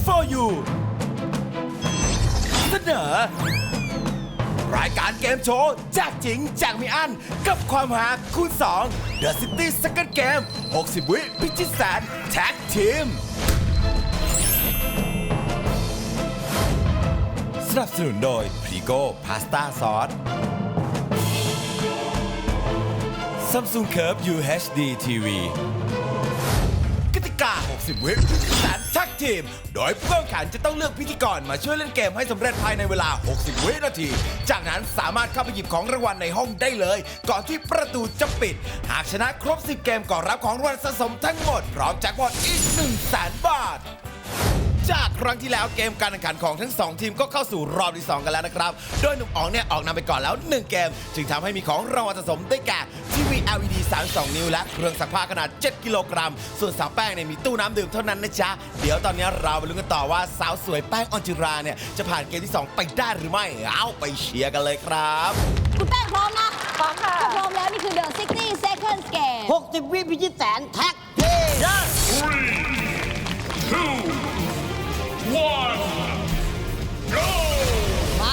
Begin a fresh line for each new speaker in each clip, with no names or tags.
for you เสนอรายการเกมโชว์แจกจริงแจกไม่อั้นกับความหาคูณ2 The City Second Game 60 วิพิชิตแสนแท็กทีมสนับสนุนโดยพรีโก้พาสต้าซอส Samsung Curve UHD TV กติกา 60 วิพิชิตแสนแท็กทีมโดยผู้แข่งขันจะต้องเลือกพิธีกรมาช่วยเล่นเกมให้สำเร็จภายในเวลา 60 วินาทีจากนั้นสามารถเข้าไปหยิบของรางวัลในห้องได้เลยก่อนที่ประตูจะปิดหากชนะครบ 10 เกมก็รับของรางวัลสะสมทั้งหมดพร้อมแจ็คพอตอีก 100,000 บาทจากครั้งที่แล้วเกมการแข่งขันของทั้ง2ทีมก็เข้าสู่รอบที่2กันแล้วนะครับโดยหนุ่มอ๋องเนี่ยออกนำไปก่อนแล้ว1เกมจึงทำให้มีของรางวัลสะสมได้แก่ทีวี LED 32 นิ้วและเครื่องซักผ้าขนาด7กิโลกรัมส่วนสาวแป้งเนี่ยมีตู้น้ำดื่มเท่านั้นนะจ๊ะเดี๋ยวตอนนี้เราไปลุ้นกันต่อว่าสาวสวยแป้งออนจิราเนี่ยจะผ่านเกมที่2ไปได้หรือไม่เอาไปเชียร์กันเลยครับ
คุณแป้งพร้อมนะ
พร้อมค่ะ
ถ้าพร้อมแล้วนี่คือ The 60 Seconds Game
60 วิพิชิตแสนแท็กทีม
มา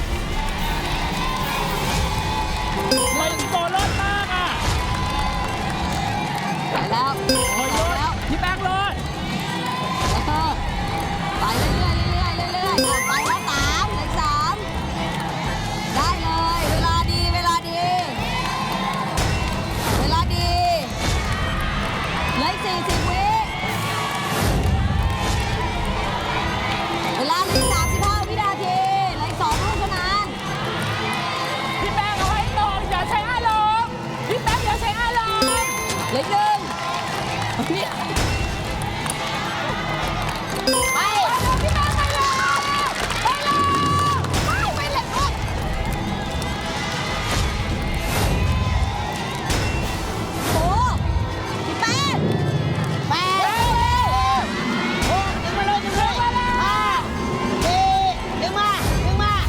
มันโกรธมากอ่ะ
ไปแล้ว
โอ้ยรถพี่แป้งรถ
ไปเรื่อยๆเรื่อยๆเรื่อยๆไปแล้ว3เหลือ3ได้เลยเวลาดีเวลาดีเวลาดีเหลือ40 วิเวลาเหลือ35 วินาทีเหลือ2 ลูกเท่านั้น
พี่แป้งเอาให้ตรงอย่าใช้อารมณ์พี่แป้งอย่าใช้อารมณ์
เหลือ1นี่ไป
พี่แป้งไปเลยไปเลยไปเลย
โอ้พี่แป้ง
โอ้ดึงมาเลยดึงมาเลย
ดึงมา
ดึงมา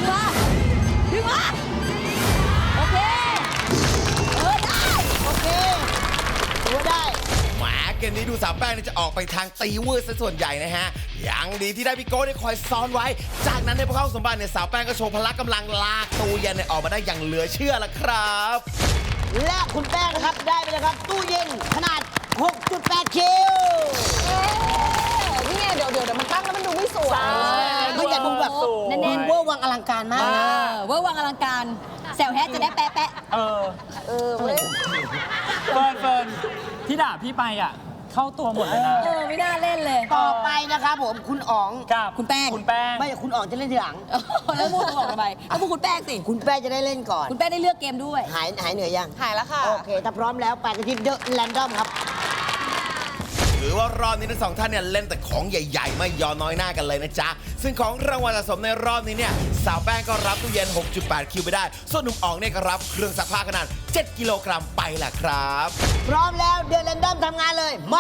โอเคได้
โอเคถือว่าได้
แหมเกมนี้ดูสาวแป้งเนี่ยจะออกไปทางตีวืดซะส่วนใหญ่นะฮะยังดีที่ได้พี่โก้ได้คอยซ้อนไว้ จากนั้นในพวกเขาสมบัติเนี่ยสาวแป้งก็โชว์พละกำลังลากตู้เย็นเนี่ยออกมาได้อย่างเหลือเชื่อละครับ
และคุณแป้งนะครับได้ไปเลยครับตู้เย็นขนาด 6.8 คิว
นี่ไงเดี๋ยวมันตั้งแล้วมันดูไม่สวย
มันจะดูแบบ
แน่น
เวอร์วังอลังการมาก
เวอร์วังอลังการแซวแฮะจะได้แปะ
เฟิร์นที่ด่าพี่ไปอ่ะเข้าตัวหมดเลยนะ
ไม่น่าเล่นเลย
ต่อไปนะครับผมคุณอ๋อง
กับ
คุณแป้ง
ไม่คุณอ๋องจะเล่นทีหลัง
แล้วพูดบอกทำไมแล้วพูดคุณแป้งสิ
คุณแป้งจะได้เล่นก่อน
คุณแป้งได้เลือกเกมด้วย
หายเหนื่อยยัง
หายแล้วค่ะ
โอเค ถ้าพร้อมแล้วไปกันที่เดอะแรนดอมครับ
ถือว่ารอบนี้ทั้งสองท่านเนี่ยเล่นแต่ของใหญ่ๆ ไม่ยอมน้อยหน้ากันเลยนะจ๊ะ ซึ่งของรางวัลสะสมในรอบนี้เนี่ยสาวแป้งก็รับตู้เย็น 6.8 คิวไปได้ ส่วนหนุ่มอ๋องเนี่ยก็รับเครื่องซักผ้าขนาด 7 กิโลกรัมไปแหละครับ
พร้อมแล้วเดอะแรนดอมทำงานเลย มา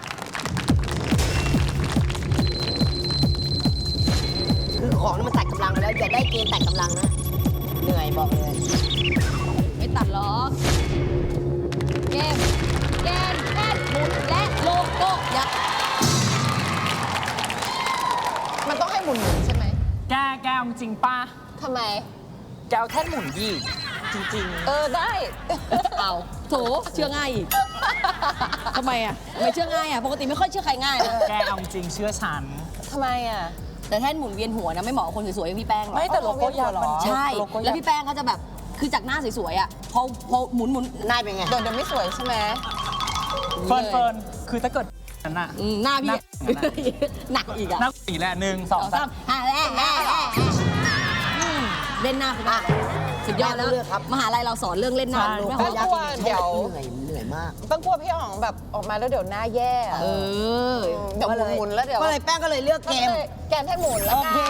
คือของนี่มันตัดกำลังแล้วอย่าได้เกณฑ์ตัดกำลังนะ เหนื่อยบอกเลย
ไม่ตัดหรอกเกมแท่นหมุนและโลโก้ยักษ์
มันต้องให้หมุนใช่ไหม
แกเอาจริงป้า
ทำไม
แกเอาแค่หมุนยี่จริง
ได้
เอาโถเชื่อง่ายอีกทำไมอ่ะไม่เชื่อง่ายอ่ะปกติไม่ค่อยเชื่อใครง่ายนะ
แกเอาจริงเชื่อฉัน
ทำไมอ่ะ
แต่แท่นหมุนเวียนหัวนะไม่เหมาะกับคนสวยๆอย่างพี่แป้งหรอก
ไม่แต่โลโก้ยักษ์มัน
ใช่ แล้วพี่แป้งเขาจะแบบคือจากหน้าสวยๆอ่ะพอหมุน
หน้าเป็นไง
เดี๋ยวไม่สวยใช่ไหม
เฟิร์นคือถ้าเกิดนั้นน่ะ
หน้าพี่ หนักอีกอ่ะ
นักอีกแหละ1 2
2 3เล่นหน้าคุณได้สุดยอดแล้ว
เลือกครับ
มหาลัยเราสอนเรื่องเล่นหน้า
โล
ไม่
โก้
พอ
ยักษ์
เดี๋ยว
เหนื่อยมาก
ต้องกลัวพี่อ๋องแบบออกมาแล้วเดี๋ยวหน้าแย่อะ
เออ
เดี๋ยวหมุนแล้วเดี๋ยว
ก็เลยแป้งก็เลยเลือกเกม
แกนให้หมุนแล้ว
โอเค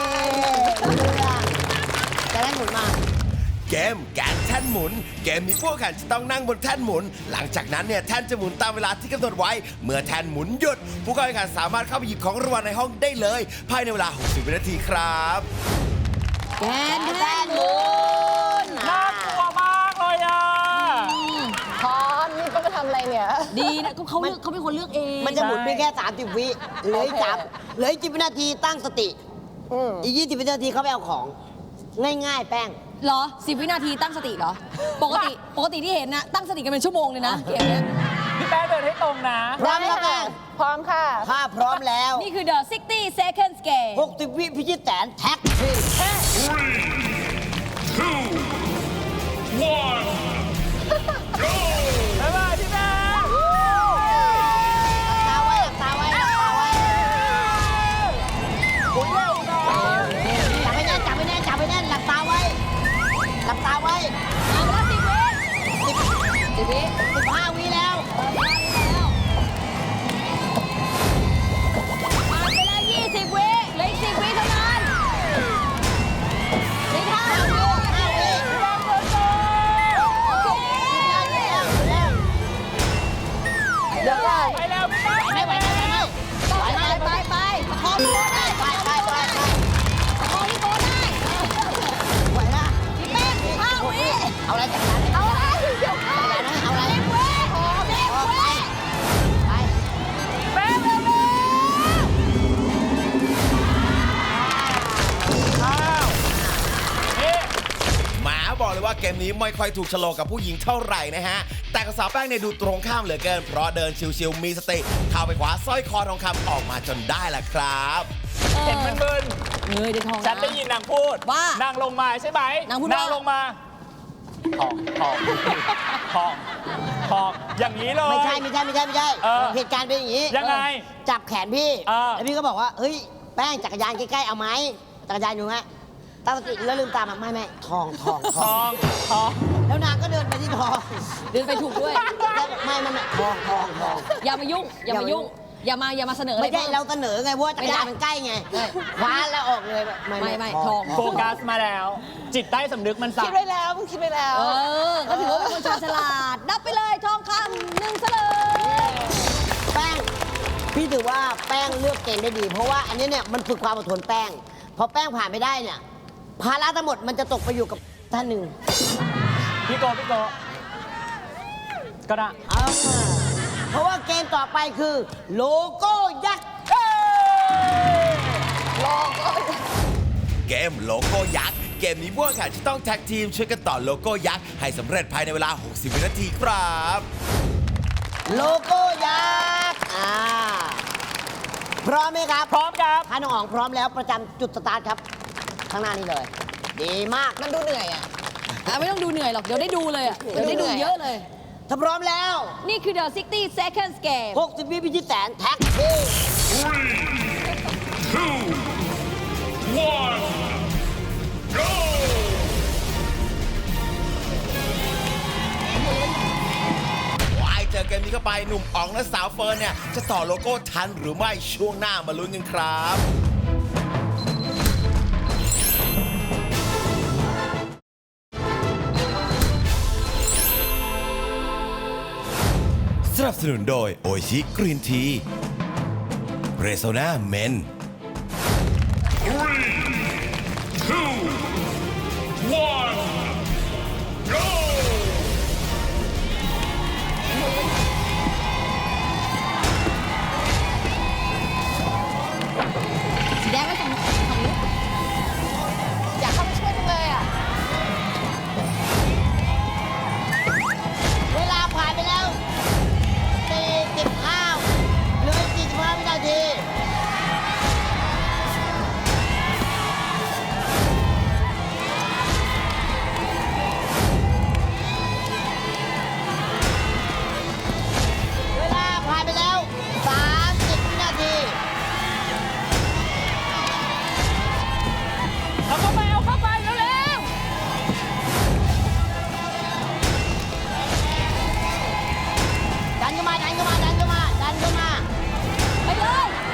จะได้หมุนมา
เกมแกนแท่นหมุน เกมนี้ผู้แข่งขันจะต้องนั่งบนแท่นหมุน หลังจากนั้นเนี่ยแท่นจะหมุนตามเวลาที่กำหนดไว้ เมื่อแท่นหมุนหยุด ผู้แข่งขันสามารถเข้าไปหยิบของรางวัลในห้องได้เลย ภายในเวลา 60 วินาทีครับ
แกนแท่นหมุน
น่ากลัวมากเลยอ่ะ
พร้อมนี่ต้องมาทำอะไรเนี่ย
ดีนะเขาเป็นคนเลือกเอง
มันจะหมุนไปแค่ 30 วิเหลืออีกเหลืออีก10 วินาทีตั้งสติ อีก20 วินาทีเขาไปเอาของ ง่ายๆ แป้ง
เหรอ 10 วินาทีตั้งสติเหรอ ปกติที่เห็นนะ ตั้งสติกันเป็นชั่วโมงเลยนะเกมเนี้ย
พี่แป้งเดินให้ตรงนะ
พร้อมแล้วแป้ง
พร้อมค่ะ
ถ้าพร้อมแล้ว
นี่คือ The 60 Seconds Game
60 วิพิชิตแสนแท็กทีม
บ๊ายบายพี่แป้ง
ตาไว้หลับตาไว้หลับตาไว้จับไว้แน่นจับไว้แน่นหลับตาไว้หลับตาไว้
เอาไปแล้ว10 วิ
15 วิแล้ว
ผ่านไปแล้ว20 วิเหลืออีก10 วิเท่านั้นเหลืออก5 วิ
เดี๋ยวก่อน
ไปแล้วพี่แป้ง
ไม่ไหวไม่ไหวไม่ไหว
ไปประคองพี่โก้ได้
ไปไปไป
ประคองพี่โก้ได้
ไหวละ
พี่แป้ง5 วิ
เอาอะไรจากนั้น
เอาอะไรเดี๋ยวก่อน
เอาอะไร
10 วิ10 วิ
ไป
แป้งเร็ว
อ้าวนี่
หมาบอกเลยว่าเกมนี้ไม่ค่อยถูกโฉลกกับผู้หญิงเท่าไหร่นะฮะ แต่กับสาวแป้งเนี่ยดูตรงข้ามเหลือเกิน เพราะเดินชิวๆมีสติเข้าไปคว้าสร้อยคอทองคำออกมาจนได้ล่ะครับ
เห็นมันมึน
เงยได้ทอง
ฉันได้ยินนางพูด
ว่า
นางลงมาใช่ไหม
นางพูดว่า
ลงมาทองทองทองทองอย่างนี้เลย
ไม่ใช่
เออ
เหตุการณ์เป็นอย่างนี้
ยังไง
จับแขนพี่
เออ
แล้วพี่ก็บอกว่าเฮ้ยแป้งจักรยานใกล้ๆเอาไหมจักรยานอยู่ไหมตั้งสติแล้วลืมตามาไม่ทอง
ทองทอง
แล้วนางก็เดินไปที่ทอง
เดินไปถูกด้วย
แล้วไม่ทอง
อย่ามายุ่ง อย่ามายุ่ง อย่ามาเสนออะไร
ไม่ใช่
พิ่
เราเสนอไงเพราะว่าจักรยานมันใกล้ไงคว้าแล้วออกเลย
ไม่ทอง
โฟกัสมาแล้ว จิตใต้สำนึกมันสั่
คิ
ง
ดไว้แล้วมึงคิดไว้แล้ว
ก็ถือว่าเป็นคนชาญฉลาด นับไปเลยทองคำ1 เฉลย
แป้งพี่ถือว่าแป้งเลือกเกมได้ดี เพราะว่าอันนี้เนี่ยมันฝึกความอดทนแป้งพอแป้งผ่านไม่ได้เนี่ยภาระทั้งหมดมันจะตกไปอยู่กับท่านหนึ่ง
พี่โกก็ได้
เอามาเพราะว่าเกมต่อไปคือ โลโก้ยักษ์
เกมโลโก้ยักษ์ เกมนี้พวกแข่งที่ต้องแท็กทีมช่วยกันต่อโลโก้ยักษ์ให้สำเร็จภายในเวลา 60 วินาทีครับ
โลโก้ยักษ์พร้อมไหมครับ
พร้อมครับ
ถ้าน้องอ๋องพร้อมแล้วประจำจุดสตาร์ทครับ ข้างหน้านี้เลย ดีมาก
มันดูเหนื่อยอ่ะ
ไม่ต้องดูเหนื่อยหรอก เดี๋ยวได้ดูเลยอะเดี๋ยวได้ดูเยอะเลย
ถ้าพร้อมแล้ว
นี่คือ The 60 Seconds Game
60 วิพิชิตแสนแท็กทีม
วายเจอเกมนี้เข้าไปหนุ่มอ๋องและสาวเฟิร์นเนี่ย จะต่อโลโก้ทันหรือไม่ช่วงหน้ามาลุ้นกันครับ สนับสนุนโดยโอชิกรีนทีเรโซนาเมน
สีแดงไว้ฝั่งนี้
อยากเข้าไปช่วยจังเลยอ่ะ
เวลาผ่านไปแล้ว 45เหลือ45 วินาที เวลาผ่านไปแล้ว 30 วินาที
เอาเข้าไปเร็ว
ดันเข้ามา
ไปเลย ไปเลย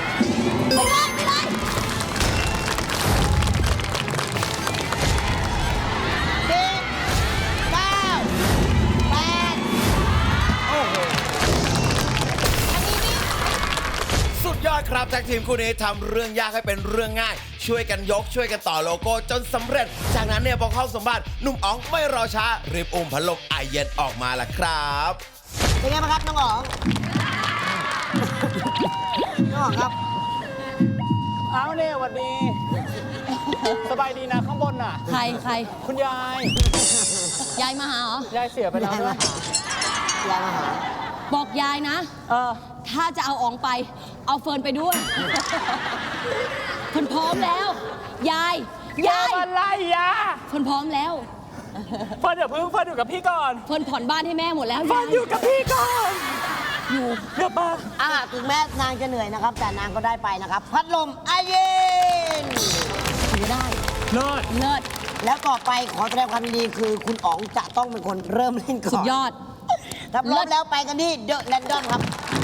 สุดยอดครับแท็กทีมคู่นี้ทำเรื่องยากให้เป็นเรื่องง่าย ช่วยกันยกช่วยกันต่อโลโก้จนสำเร็จ จากนั้นเนี่ยพอเข้าสมบัติหนุ่มอ๋องไม่รอช้ารีบอุ้มพัดลมไอเย็นออกมาละครับ
เป็นไงบ้างครับ น้องอ๋อง น้องอ๋องครับ
เอาเนี่ยสวัสดี สบายดีนะข้างบนน่ะ
ใคร
คุณยาย
ยายมาหาเหรอ
ยายเสียไปแล้วด้วย
ยายมาหา
บอกยายนะ ถ้าจะเอาอ๋องไป เอาเฟิร์นไปด้วย เฟิร์นพร้อมแล้ว ยาย
อะไรยา
เฟิร์นพร้อมแล้ว
เฟิร์นเดี๋ยวพึ่งเฟิร์นอยู่กับพี่ก่อน
เฟิร์นผ่อนบ้านให้แม่หมดแล้ว
เฟิร์นอยู่กับพี่ก่อน
อยู่
เดี๋ยวมา
ถึงแม้นางจะเหนื่อยนะครับ แต่นางก็ได้ไปนะครับ พัดลมไอเย็น
ถือได้
เลิศ
เลิศ
แล้วต่อไปขอแสดงความยินดีคือคุณอ๋องจะต้องเป็นคนเริ่มเล่นก่อน
สุดยอด
ถ้าพร้อมแล้วไปกันที่เดอะแรนดอมครับ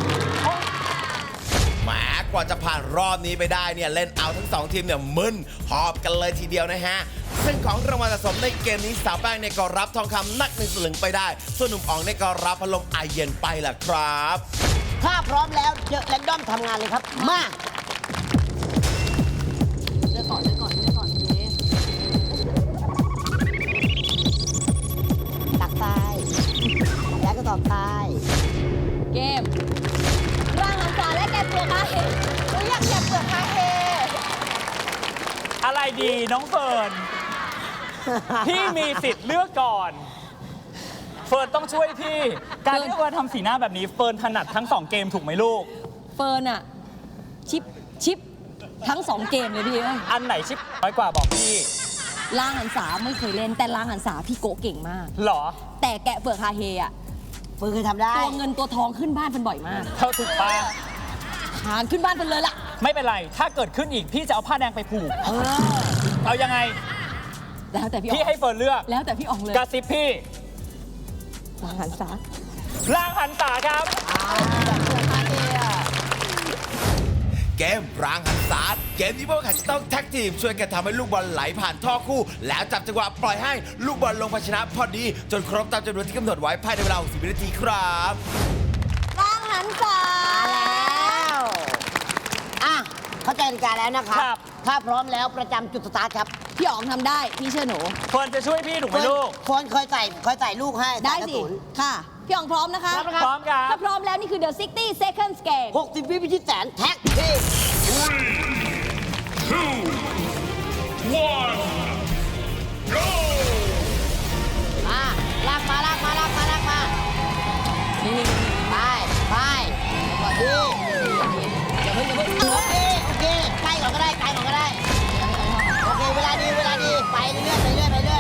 แหมกว่าจะผ่านรอบนี้ไปได้เนี่ยเล่นเอาทั้งสองทีมเนี่ยมึนหอบกันเลยทีเดียวนะฮะ ซึ่งของรางวัลสะสมในเกมนี้สาวแป้งเนี่ยก็รับทองคำหนัก1 สลึงไปได้ ส่วนหนุ่มอ๋องเนี่ยก็รับพัดลมไอเย็นไปล่ะครับ
ถ้าพร้อมแล้วเดอะแรนดอมทำงานเลยครับ มา
เลือกก่อนเย้
ตักทรายแล้วก็ตอบทราย
เกม ร่างหันษาและแกะเปลือกอาเห็น
หนูอยากเก็บเปลือกฮาเฮ
อะไรดีน้องเฟิร์น พี่มีสิทธิ์เลือกก่อน เฟิร์นต้องช่วยพี่ การที่เฟิร์นทำสีหน้าแบบนี้ เฟิร์นถนัดทั้ง 2 เกมถูกไหมลูก
เฟิร์นอะชิปทั้ง 2 เกมเลยพี่เอ้ย
อันไหนชิปน้อยกว่าบอกพี่
ร่างหันษาไม่เคยเล่น แต่ร่างหันษาพี่โกะเก่งมาก
หรอ
แต่แกะเปลือกคาเฮอะ
เฟิร์นเคยทำได้
ตัวเงินตัวทองขึ้นบ้านเป็นบ่อยมาก
เท่าถูกปะ
หานขึ้นบ้านเป็นเลยล่ะ
ไม่เป็นไร ถ้าเกิดขึ้นอีกพี่จะเอาผ้าแดงไปผูก เอายังไง
แล้วแต่พี่อ๋
พี่
อง
ให้เฟิร์นเลือก
แล้วแต่พี่อ๋องเลย
กระซิบพี่
ร่างหันษา
ร่างหันษาครับ
เกมรางหันษาเกมนี้พวกเขาจะต้องแท็กทีมช่วยกันทำให้ลูกบอลไหลผ่านท่อคู่ แล้วจับจังหวะปล่อยให้ลูกบอลลงภาชนะพอดี จนครบตามจำนวนที่กำหนดไว้ภายในเวลา60 วินาทีครับ
ร่างหันษา
แล้วเข้าใจกติกาแล้วนะครับ
ครับ
ถ้าพร้อมแล้วประจำจุดสตาร์ทครับ
พี่อ๋องทำได้ พี่เชื่อหนู
เฟิร์นจะช่วยพี่ถูกไหมลูก
เฟิร์นเคยใส่ลูกให้
ได้
ใส่กระ
สิ
สุน
ค่ะ พี่อ๋องพร้อมนะคะ
พร้อมนะครับ
พร้อมครับ
ถ้าพร้อมแล้วนี่คือ The 60 Seconds Game
60 วิพิชิตแสนแท็กทีมลากมา
นี่
ไปดี
อย่าเพิ่ง
โอเคใกล้ก่อนก็ได้โอเคเวลาดีไปเรื่อย
ไป
ๆ
อย่าเพิ่งอย่าเพิ่ง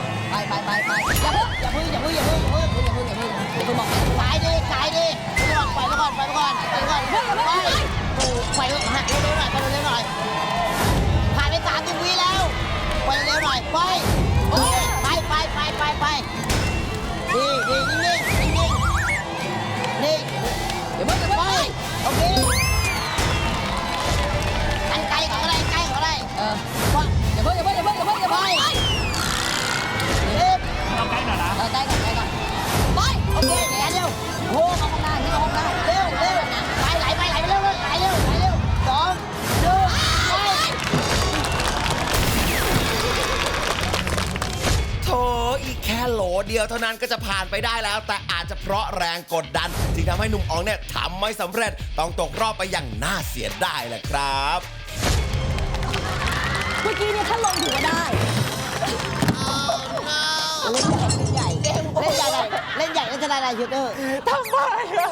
อย่าเพิ่งอย่าเพิ่งอย่าเพิ่งบอก
สายดีปล่อยไปก่อนไปปล่อยเร็วๆหน่อยผ่านไป30 วิแล้วปล่อยเร็วหน่อยไปดีนิ่ง
อย่าเพิ่ง
ไปโอเคอันไกลก่อนก็ได้
อย่าเพิ่ง
ไปเร็ว
เอาใกล้หน่อยนะ
ใกล้ก่อนไป
โอเคเร็ว
โอ้เข้าห้องได้นี่เข้าห้องได้
เร็วไปไหลไปเร็ว2 1ไป
โถอีกแค่โหลเดียวเท่านั้นก็จะผ่านไปได้แล้ว แต่อาจจะเพราะแรงกดดันจึงทำให้หนุ่มอ๋องเนี่ยทำไม่สำเร็จต้องตกรอบไปอย่างน่าเสียดายแหละครับ
เมื่อกี้เนี่ยถ้าลงถือว่าได้
เล่นใหญ่แล้วจะได้อะไรชูเตอร์
ทำไมอะ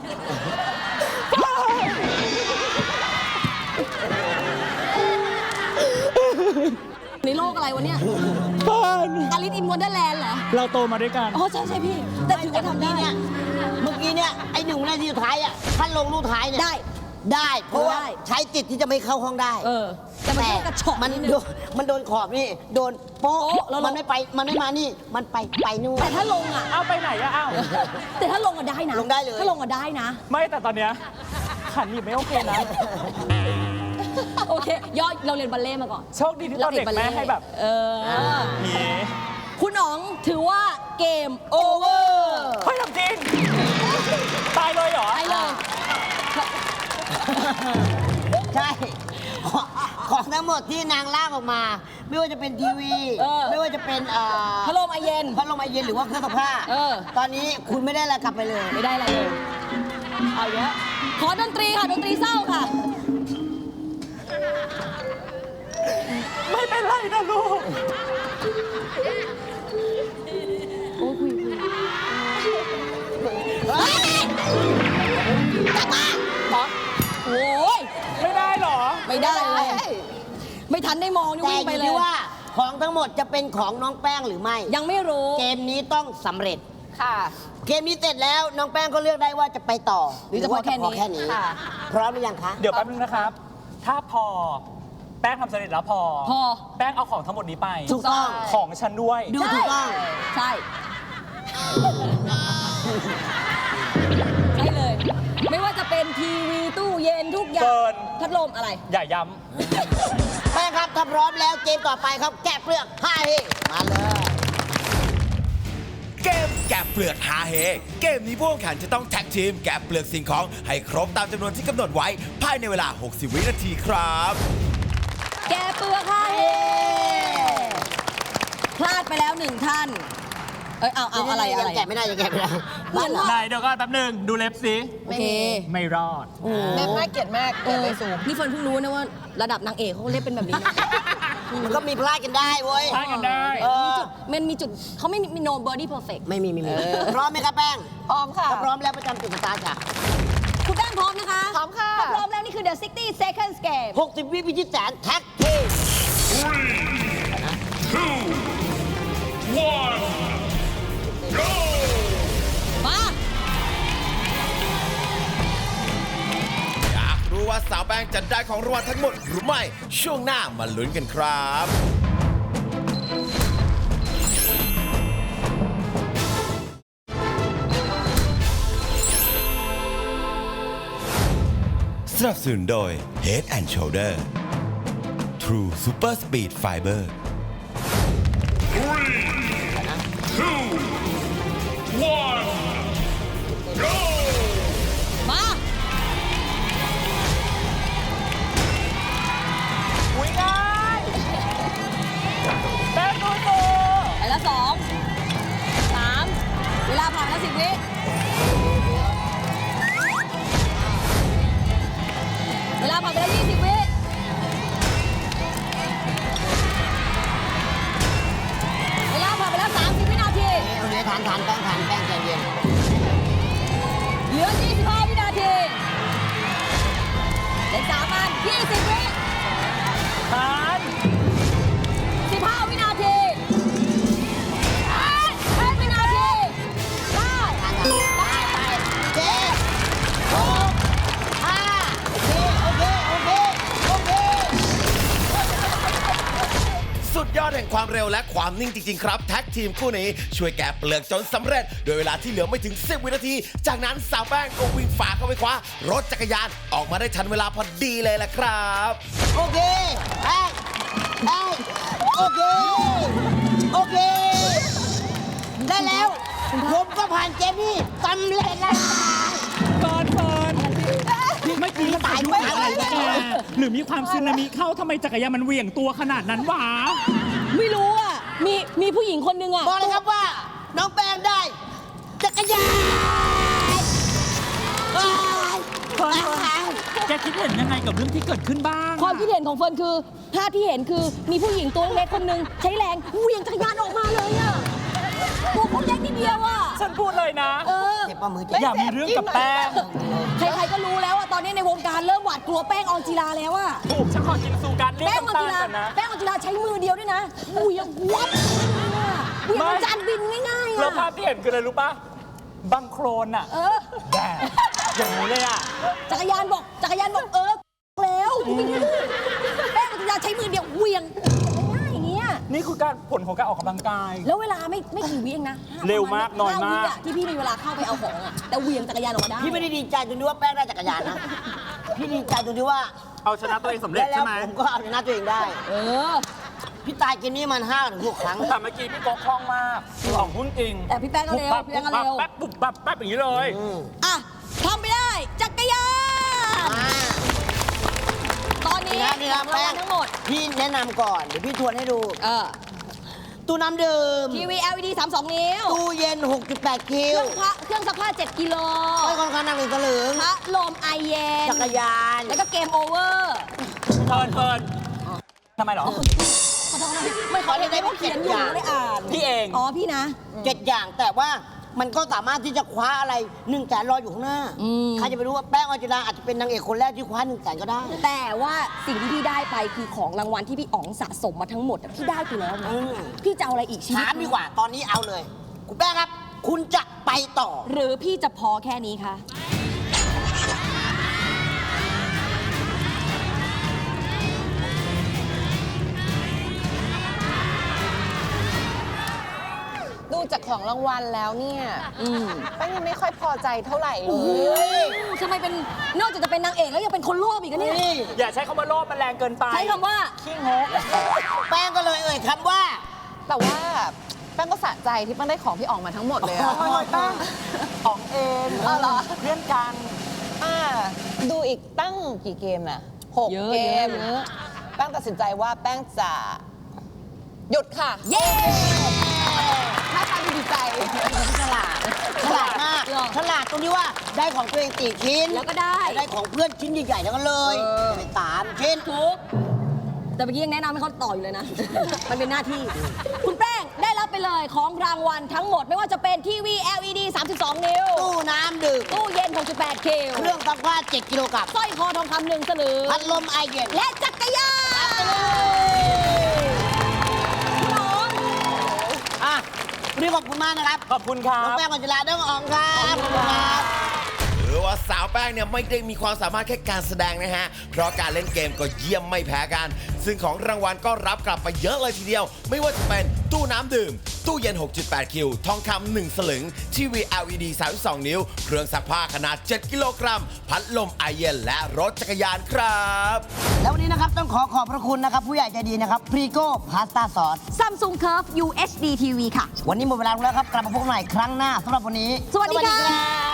ในโลกอะไรวะเนี่ย
เฟิร์น
อาริสอินวันเดอร์แลนด์เหรอ
เราโตมาด้วยกัน
อ๋อใช่พี่ แต่ถือว่าทำได้
เมื่อกี้เนี่ยไอ้1 นาทีสุดท้ายถ้าลงลูกท้ายเนี่ยได้เพราะว่าใช้จิตที่จะไม่เข้าห้องได้
แต่มันก็กระชอก
มัน
นิดนึง
โดนขอบนี่โดนโป๊ะ
โป๊ะแล้ว
มันไม่มานี่มันไปนู่น
แต่ถ้าลงอ่ะ
เอาไปไหนอะเอ้า
แต่ถ้าลงอ่ะได้นะ
ลงได้เลย
ถ้าลงอ่ะได้นะ
ไม่แต่ตอนเนี้ยขันหยิบไม่โอเคนะ
โอเคย่อเราเรียนบัลเล่ต์มาก่อน
โชคดีที่ตอนเด็กแม่ให้แบบ นี้
คุณอ๋องถือว่าเกมโอเวอร์
เฮ้ยทำจริง ตายเลยเหรอ
ไปเลย
ใช่ของทั้งหมดที่นางลากออกมา ไม่ว่าจะเป็นทีวี ไม่ว่าจะเป็น
พัดลมไอเย็น
พัดลมไอเย็นหรือว่าเครื่องซักผ้า ตอนนี้คุณไม่ได้อะไรกลับไปเลย
ไม่ได้อะไรเลย เอาเยอะขอดนตรีค่ะ ดนตรีเศร้าค่ะ
ไม่เป็นไรนะลูก
โอ้ยคุย โอ้ย
ไม่ได้เหรอ
ไม่ได้เลย ไม่ทันได้มองนี่
แต่
วิ่ง
อ
ไป
ยู่
เลย
ที่ว่าของทั้งหมดจะเป็นของน้องแป้งหรือไม่
ยังไม่รู้
เกมนี้ต้องสำเร็จ
ค่ะ
เกมนี้เสร็จแล้วน้องแป้งก็เลือกได้ว่าจะไปต่อ
หรือจะพอแค่นี้
แค่นี้
ค่ะ
พร้อมหรือยังคะ
เดี๋ยวแป๊บนึงนะครับ ถ้าพอ แป้งทำสำเร็จแล้วพอ แป้งเอาของทั้งหมดนี้ไป
ถูกต้อง
ของฉันด้วย
ดูถูกต้อง
ใช่ ใช่เลย ไม่ว่าจะเป็นทีวีตู้เย็นทุกอย่า
เฟิ
ง
ร์น
พัดลมอะไร
อย่าย้
แป้งครับถ้าพร้อมแล้วเกมต่อไปครับ แกะเปลือก5เฮมาเลย
เกมแกะเปลือกหาเฮเกมนี้ผู้แข่งขันจะต้องแท็กทีมแกะเปลือกสิ่งของให้ครบตามจำนวนที่กำหนดไว้ภายในเวลา 60 วินาทีครับ
แกเปลือกค่ะเฮพลาดไปแล้วหนึ่งท่าน เอ้ย เอาอะไร
ยังแกะไม่ได้ยังแกะไม่ได้
เพื่อน
ำ
เรา
ไหนเดี๋ยวก็แป๊บนึง ดูเล็บสิ
โอเค
ไม่รอด
แม่น่าเกลียดมากเกลียดไปสูง
นี่เฟิร์นเพิ่งรู้นะว่าระดับนางเอกเขาเรียกเป็นแบบนี้นะ
มันก็มีพลาดกันได้เว้ย
พลาดกันได้
มันมีจุดเขาไม่มี no body perfect
ไม่มีพร้อมไหมครับแป้ง
พร้อมค่ะ
ถ้าพร้อมแล้วประจำจุดสตาร์ทค่ะ
คุณแป้งพร้อมนะคะ
พร้อมค่ะ
ถ้าพร้อมแล้วนี่คือ the 60 seconds game
60 วิพิชิตแสนแท็กทีม
มา
อยากรู้ว่าสาวแป้งจะได้ของรางวัลทั้งหมดหรือไม่ ช่วงหน้ามาลุ้นกันครับ สนับสนุนโดย Head and Shoulder True Super Speed Fiber
มา
อุ้ยง่ายแป้งดูตัว
ไปแล้ว2 3 เวลาผ่านแล้ว10 วิ เวลาผ่านไปแล้ว20 วิ เวลาผ่านไปแล้ว30 วินาที
โอเคทานแป้งใจเย็น
เหลือ 25 วินาทีเหลือ3 อัน 20 วิ
ทาน
15 วินาที10 วินาทีไป
เจ๊6 5โอเค
สุดยอดแห่งความเร็วและความนิ่งจริง ๆ ครับแท็กทีมคู่นี้ช่วยแกะเปลือกจนสำเร็จ โดยเวลาที่เหลือไม่ถึง 10 วินาที จากนั้นสาวแป้งก็วิ่งฝ่าเข้าไปคว้ารถจักรยานออกมาได้ทันเวลาพอดีเลยแหละครับ
โอเคแป้งโอเค ได้แล้ว ผมก็ผ่านเกมนี้สำเร็จแล้ว
ก่อนเฟิร์นเมื่อกี้มันตายด้วยอะไรแกหรือมีความซึนามิเข้าทำไมจักรยานมันเหวี่ยงตัวขนาดนั้นวะ
ไม่รู้อ่ะ มีผู้หญิงคนหนึงอ่ะ
บอกเลยครับว่า น้องแป้งได้ จักรยาน
เฟิร์นแกคิดเห็นยังไงกับเรื่องที่เกิดขึ้นบ้าง
ความคิดเห็นของเฟิร์นคือภาพที่เห็นคือมีผู้หญิงตัวเล็กคนหนึ่งใช้แรงเหวี่ยงจักรยานออกมาเลยอ่ะตัวเขาเล็กนิดเดียวอ่ะ
ฉันพูดเลยนะ
เจ็บปะมือเจ็บ
อย่ามีเรื่องกับแป้ง
ใครๆก็รู้แล้วอ่ะตอนนี้ในวงการเริ่มหวาดกลัวแป้งออนจิลาแล้วอ่ะ
ถูกฉันขอกินซูการเรีย
แป้
ก
งออน
น้ำตา
จิ
ล
ลา
ก่อนนะ
แป้งออนจิลาใช้มือเดียวด้วยนะเหวี่ยงวับเหวี่ยงจานบินง่ายๆ
แล้ว
อ่ะ
ภาพที่เห็นคืออะไรรู้ปะบังโครนอะ แดดอย่างนี้เลยอะ
จักรยานบอกแล้วแป้งออนจิลาใช้มือเดียวเหวี่ยงง่ายๆอย่างเงี้ย
นี่คือการผลของการออกกำลังกาย
แล้วเวลาไม่กี่วิเองนะ
เร็วมากน้อยมาก
5 วิะที่พี่มีเวลาเข้าไปเอาของอ่ะแต่เหวี่ยงจักรยานออกมาได้
พี่ไม่ได้ดีใจตรงที่ว่าแป้งได้จักรยานนะ พี่ดีใจตรงที่ว่า
เอาชนะตัวเองสำเร็จ
ได้แล้ว
ใช่ไหม
ผมก็เอาชนะตัวเองได้
เออ
พี่ตายเกมนี้มัน5 ถึง 6 ครั้ง
แต่เมื่อกี้พี่โก๊กคล่องมากออกหุ้นจริง
แต่พี่แป้งก็เร็วพี่แป้งก็เร็ว
แป๊บปุ๊บปั๊บแป๊บอย่างนี้เลย
อ่ะทำไปได้ จักรยาน ตอนนี้
นี่ครับ
รางวัลทั้งหมด
พี่แนะนำก่อน เดี๋ยวพี่ทวนให้ดู ตู้น้ำดื่ม
ทีวี LED 32 นิ้ว
ตู้เย็น 6.8 คิ
เครื่องซักผ้า7 กิโล
ไม่ค่อนข้างหนัก1 ตะลึง
พัดลมไอเย็น
จักรยาน
แล้วก็เกมโอเวอร์
เฟิร์นทำไมเหรอ
ขอโทษนะไม่ขอเลยได้เพราะเขียนอยู่ไม่ได้อ่าน
พี่เอง
อ๋อพี่นะ
7 อย่างแต่ว่ามันก็สามารถที่จะคว้าอะไร1 แสนรออยู่ข้างหน้า ใครจะไปรู้ว่าแป้งออนจิราอาจจะเป็นนางเอกคนแรกที่คว้า1 แสนก็ได้
แต่ว่าสิ่งที่พี่ได้ไปคือของรางวัลที่พี่อ๋องสะสมมาทั้งหมดอะพี่ได้ไปแล้วนะ
อืม
พี่จะเอาอะไรอีกชีวิต
ถามดีกว่าตอนนี้เอาเลย คุณแป้งครับ คุณจะไปต่อ
หรือพี่จะพอแค่นี้คะ
ดูจากของรางวัลแล้วเนี่ยแป้งยังไม่ค่อยพอใจเท่าไหร่เล
โอ้โห
ย
ทำไมเป็นนอกจากจะเป็นนางเอกแล้วยังเป็นคนโลภอีกอะเนี่ย
นี่
อย่าใช้คำว่าโลภมันแรงเกินไป
ใช้คำว่า
ขี้งก
แป้งก็เลยคำว่า
แต่ว่าแป้งก็สะใจที่แป้งได้ของพี่อ๋องมาทั้งหมดเลยอะ
ออกเอง
อ๋อเหรอ
เพื่อนกัน
ดูอีกตั้งกี่เกมน่ะ6
เยอะ
เก
เยอะ
ม
เยอะ
แป้งตัดสินใจว่าแป้งจะหยุดค่ะ
เย้
ถ้าตามดีใจ
ฉลาดมาก
เหรอ
ฉลาดตรงที่ว่าได้ของตัวเอง4 ชิ้น
แล้วก็ได้
ได้ของเพื่อนชิ้นใหญ่ๆทั้งนั้นเลยเป็น3 ชิ้น
ทุกแต่เมื่อกี้ยังแนะนำให้เขาต่ออยู่เลยนะ มันเป็นหน้าที่ คุณแป้งได้รับไปเลยของรางวัลทั้งหมดไม่ว่าจะเป็นทีวี LED 32 นิ้ว
ตู้น้ำดื่ม
ตู้เย็น 68 คิว
เครื่องซักผ้า7 กิโลกรัม
สร้อยคอทองคำ1 สลึง
พัดลมไอเย็น
และจักรยานคุณอ๋อง
อ่ะวันนี้ขอบคุณมากนะครับ
ขอบคุณครั
น้อง
บ
แป้งกัญจลาน้องอ๋องครับขอบคุณครับ
หรือว่าสาวแป้งเนี่ยไม่ได้มีความสามารถแค่การแสดงนะฮะ เพราะการเล่นเกมก็เยี่ยมไม่แพ้กัน ซึ่งของรางวัลก็รับกลับไปเยอะเลยทีเดียว ไม่ว่าจะเป็นตู้น้ำดื่ม ตู้เย็น 6.8 คิว ทองคำ1 สลึง ทีวี LED 32 นิ้ว เครื่องซักผ้าขนาด 7 กิโลกรัม พัดลมไอเย็นและรถจักรยานครับ
แล้ววันนี้นะครับต้องขอบพระคุณนะครับ ผู้ใหญ่ใจดีนะครับพรีโก้พาสต้าซอส
Samsung Curve UHD TV ค่ะ
วันนี้หมดเวลาแล้วครับ กลับมาพบกันใหม่ครั้งหน้าสำหรับวันนี้
สวัสดีค่ะ